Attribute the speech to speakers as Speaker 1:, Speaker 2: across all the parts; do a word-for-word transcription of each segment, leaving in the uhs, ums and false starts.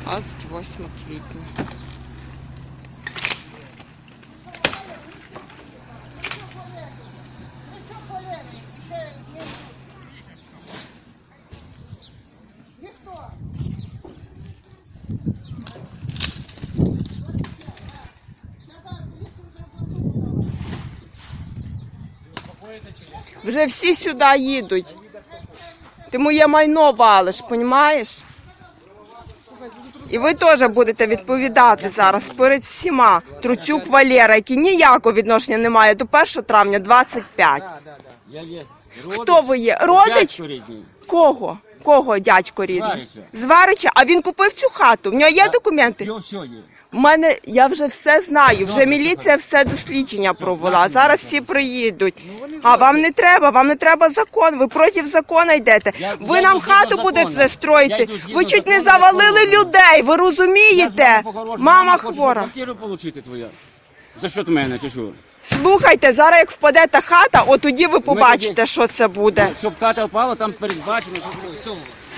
Speaker 1: двадцять восьме квітня. Вже всі сюди їдуть. Ти моє майно валиш, розумієш? І ви теж будете відповідати зараз перед всіма. Труцюк Валера, який ніякого відношення не має до першого травня двадцять п'ять.
Speaker 2: Я є
Speaker 1: Хто ви є? Родич?
Speaker 2: дядько рідний.
Speaker 1: Кого? Кого дядько рідний?
Speaker 2: Зварича.
Speaker 1: Зварича? А він купив цю хату? В нього є документи?
Speaker 2: Його все є.
Speaker 1: У мене, я вже все знаю, вже міліція все дослідження провела, зараз всі приїдуть. А вам не треба, вам не треба закон, ви проти закону йдете. Ви нам хату будете застроїти, ви чуть не завалили людей, ви розумієте? Мама хвора.
Speaker 2: Квартиру отримати твоя. За що мене, чи що?
Speaker 1: Слухайте, зараз як впаде та хата, от тоді ви побачите, що це буде.
Speaker 2: Щоб хата впала, там передбачено, що все.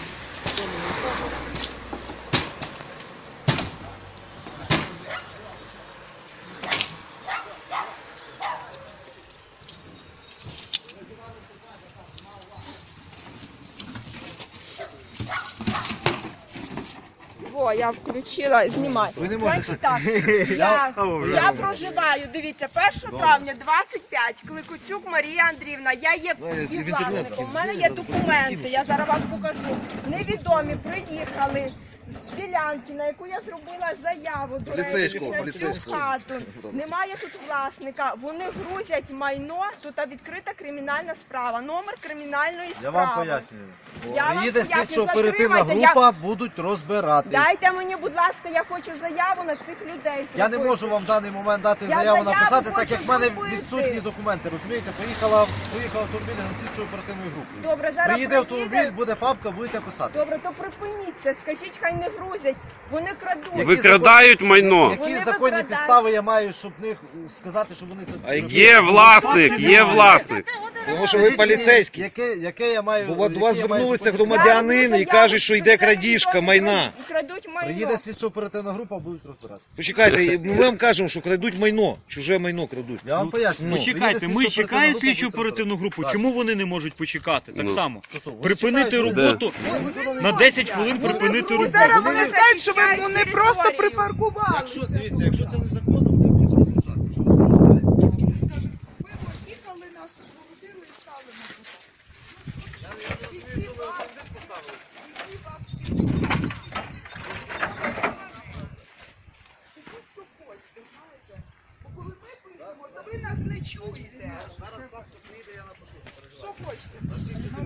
Speaker 1: О, я включила, знімай.
Speaker 3: Ви не можете.
Speaker 1: Значить так, я, я проживаю, дивіться, першого травня двадцять п'ять, Кликуцюк Марія Андріївна, я є співвласником, в мене є документи, я зараз вам покажу. Невідомі приїхали з ділянки, на яку я зробила заяву, до речі,
Speaker 3: Поліцейського,
Speaker 1: на цю
Speaker 3: поліцейського.
Speaker 1: хату. Немає тут власника, вони грузять майно, тут відкрита кримінальна справа, номер кримінальної
Speaker 3: Я
Speaker 1: справи.
Speaker 3: вам пояснюю.
Speaker 1: Я вам
Speaker 3: Приїде
Speaker 1: пояснюю,
Speaker 3: слідчо-оперативна
Speaker 1: затримайте,
Speaker 3: група, будуть розбиратись.
Speaker 1: Дайте мені, будь ласка, я хочу заяву на цих людей.
Speaker 3: Я не
Speaker 1: зробити.
Speaker 3: можу вам в даний момент дати
Speaker 1: Я
Speaker 3: заяву
Speaker 1: заяву
Speaker 3: написати,
Speaker 1: хочу
Speaker 3: так як в мене
Speaker 1: зробити.
Speaker 3: відсутні документи. Розумієте, поїхала, поїхав автомобіль за слідчо-оперативною групою.
Speaker 1: Добре, зараз
Speaker 3: Приїде автомобіль,
Speaker 1: приїде.
Speaker 3: буде папка, будете писати.
Speaker 1: Добре, то припиніть це, скажіть, хай не грузять, вони крадуть.
Speaker 3: Які
Speaker 4: Викрадають
Speaker 3: закон-
Speaker 4: майно.
Speaker 3: Які
Speaker 1: Вони
Speaker 3: законні
Speaker 1: викрадають.
Speaker 3: підстави я маю, щоб них сказати, що вони це...
Speaker 4: Є власник, є власник.
Speaker 5: Тому що ви поліцейські.
Speaker 3: Яке, яке я маю...
Speaker 5: Бо до вас
Speaker 3: яке я маю
Speaker 5: звернулися
Speaker 3: законні-
Speaker 5: громадянин і каже, що йде крадіжка майна.
Speaker 1: Крадуть майно.
Speaker 3: Приїде слідчо-оперативна група, будуть розбиратися.
Speaker 5: Почекайте, ми вам кажемо, що крадуть майно, чуже майно крадуть.
Speaker 3: Я вам поясню.
Speaker 6: Почекайте,
Speaker 3: Приїде
Speaker 6: ми
Speaker 3: слідчо-оперативна
Speaker 6: чекаємо
Speaker 3: група,
Speaker 6: слідчу
Speaker 3: будуть
Speaker 6: оперативну групу.
Speaker 3: розбиратися.
Speaker 6: Чому вони не можуть почекати? Так
Speaker 4: Ну.
Speaker 6: само.
Speaker 3: Тобто вони
Speaker 6: Припинити
Speaker 3: чекають,
Speaker 6: роботу на десять хвилин припинити роботу.
Speaker 1: Зараз вони скажуть, що ви вони просто припаркували.
Speaker 3: Якщо, дивіться, якщо це незаконно, вони будуть розрушати. Що ви розрушаєте?
Speaker 1: Їхали нас у квартиру і стали на ви нас не чуєте. Що хочете?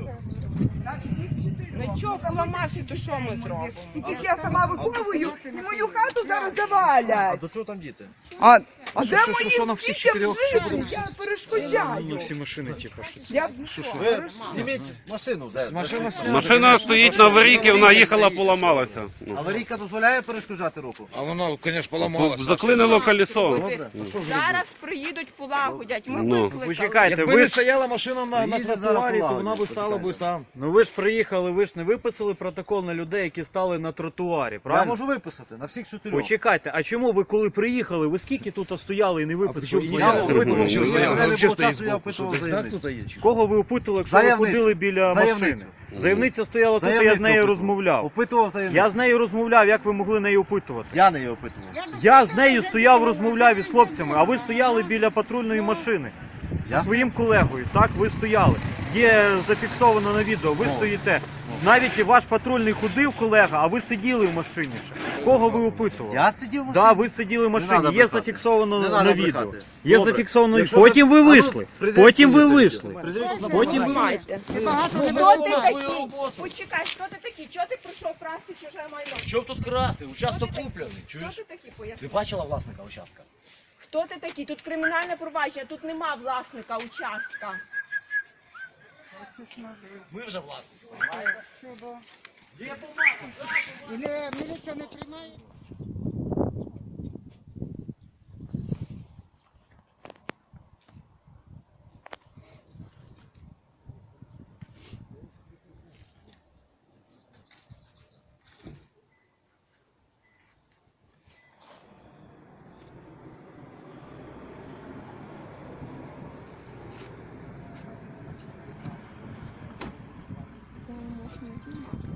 Speaker 1: Нічого, поламався, то що ми зробимо? І тільки я сама виховую, і мою хату зараз
Speaker 3: А
Speaker 1: завалять.
Speaker 3: до чого там діти?
Speaker 1: А, а де
Speaker 6: що,
Speaker 1: мої
Speaker 6: що на всіх
Speaker 1: дітям
Speaker 6: чотирьох?
Speaker 1: жити? Я перешкоджаю.
Speaker 6: На всі машини, типу, що це.
Speaker 1: Я
Speaker 3: Ви зніміть машину, де?
Speaker 6: Машина
Speaker 4: Машина стоїть на аварійці, вона їхала, поламалася. Ну.
Speaker 3: Аварійка дозволяє перешкоджати руку?
Speaker 5: А воно, звісно, поламалося.
Speaker 4: Заклинило колесо.
Speaker 1: зараз приїдуть, полагодять. Ми
Speaker 4: Ну.
Speaker 1: викликали.
Speaker 6: Почекайте,
Speaker 5: Якби
Speaker 6: ви
Speaker 5: не
Speaker 6: ж
Speaker 5: стояла машина на, на
Speaker 3: Приїдуть
Speaker 5: тротуарі,
Speaker 3: зараз
Speaker 5: то вона б
Speaker 3: полагодять,
Speaker 5: стала б там.
Speaker 6: ну ви ж приїхали, ви ж не виписали протокол на людей, які стали на тротуарі,
Speaker 3: Я
Speaker 6: правильно?
Speaker 3: можу виписати на всіх чотирьох.
Speaker 6: Почекайте, а чому ви коли приїхали, ви скільки тут стояли і не виписали?
Speaker 3: Я опитував,
Speaker 5: Що,
Speaker 3: мене
Speaker 5: ви
Speaker 3: не було
Speaker 5: взагалі стоїть
Speaker 3: часу, я
Speaker 5: збоку, що
Speaker 3: опитував
Speaker 5: десь так тут
Speaker 3: заявницю.
Speaker 5: є?
Speaker 6: Кого ви опитували, якщо ви
Speaker 3: Заявницю.
Speaker 6: ходили біля
Speaker 3: Заявницю.
Speaker 6: машини? Заявниця стояла тут, і я з
Speaker 3: Заявницю
Speaker 6: нею
Speaker 3: опитував.
Speaker 6: розмовляв.
Speaker 3: Опитував заявницю.
Speaker 6: Я з нею розмовляв, як ви могли неї опитувати?
Speaker 3: Я не її опитував.
Speaker 6: Я з нею стояв, розмовляв із хлопцями, а ви стояли біля патрульної машини.
Speaker 3: Я
Speaker 6: Зі своїм колегою, так, ви стояли. Є зафіксовано на відео, ви стоїте. Навіть і ваш патрульний ходив, колега, а ви сиділи в машині ще. Кого ви опитували?
Speaker 3: Я сидів в машині?
Speaker 6: Да, ви сиділи в машині,
Speaker 3: надо
Speaker 6: є
Speaker 3: брехати.
Speaker 6: зафіксовано
Speaker 3: Не
Speaker 6: на
Speaker 3: надо
Speaker 6: відео.
Speaker 3: брехати.
Speaker 6: Є
Speaker 3: Добре.
Speaker 6: зафіксовано.
Speaker 3: Якщо
Speaker 6: Потім ви
Speaker 3: А ну,
Speaker 6: вийшли.
Speaker 3: прийдіть,
Speaker 6: Потім ви
Speaker 3: прийдіть,
Speaker 6: вийшли.
Speaker 3: прийдіть на
Speaker 6: Потім ви
Speaker 1: Знімайте. Хто ти такий? Почекай, хто ти такий? Чого ти прийшов красти чуже майно?
Speaker 7: Що б тут красти? Участок куплений.
Speaker 1: Хто
Speaker 7: Чуєш?
Speaker 1: ти такий,
Speaker 7: Ти
Speaker 1: поясни?
Speaker 7: бачила власника участка?
Speaker 1: Хто ти такий? Тут кримінальне провадження, тут нема власника участка.
Speaker 7: Ми вже власники, розумієте?
Speaker 8: Міліція не тримає? не знімати.